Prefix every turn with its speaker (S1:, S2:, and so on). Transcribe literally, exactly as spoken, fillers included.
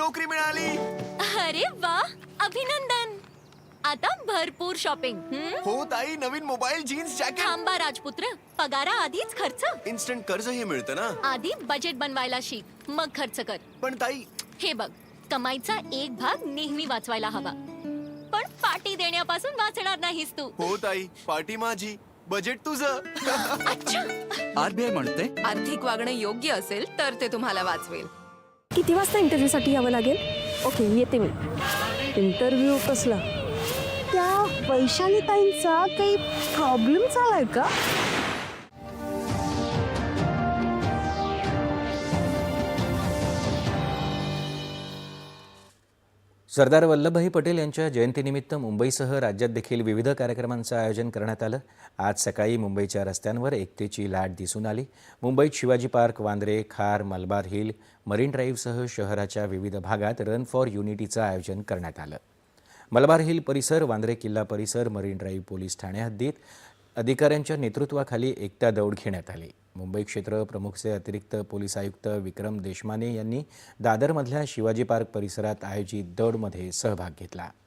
S1: नोकरी मिळाली.
S2: अरे वा, अभिनंदन. आता भरपूर शॉपिंग.
S1: हो ताई, नवीन मोबाईल, जीन्स, जॅकेट.
S2: थांबा राजपुत्र, पगारा आधीच खर्च.
S1: इन्स्टंट कर्ज हे मिळतं ना.
S2: आधी बजेट बनवायला शिक, मग खर्च कर.
S1: पण ताई,
S2: हे बघ, कमाईचा एक भाग नेहमी वाचवायला हवा, पण पार्टी देण्यापासून वाचणार नाहीस तू.
S1: हो ताई, पार्टी माझी, बजेट तुझं.
S2: अच्छा.
S3: आरबीआय म्हणते
S4: आर्थिक वागणं योग्य असेल तर ते तुम्हाला वाचवेल.
S5: किती वाजता इंटरव्ह्यूसाठी यावं लागेल? ओके, येते मी. इंटरव्ह्यू कसला? त्या वैशाली ताईंचा काही प्रॉब्लेम झालाय का?
S6: सरदार वल्लभभाई पटेल यांच्या जयंतीनिमित्त मुंबईसह राज्यात देखील विविध कार्यक्रमांचं आयोजन करण्यात आलं. आज सकाळी मुंबईच्या रस्त्यांवर एकतेची लाट दिसून आली. मुंबईत शिवाजी पार्क, वांद्रे, खार, मलबार हिल, मरीन ड्राईव्हसह शहराच्या विविध भागात रन फॉर युनिटीचं आयोजन करण्यात आलं. मलबार हिल परिसर, वांद्रे किल्ला परिसर, मरीन ड्राईव्ह पोलीस ठाणे हद्दीत अधिकाऱ्यांच्या नेतृत्वाखाली एकता दौड घेण्यात आली. मुंबई क्षेत्र प्रमुखचे अतिरिक्त पोलीस आयुक्त विक्रम देशमाने यांनी दादरमधल्या शिवाजी पार्क परिसरात आयोजित दौडमध्ये सहभाग घेतला.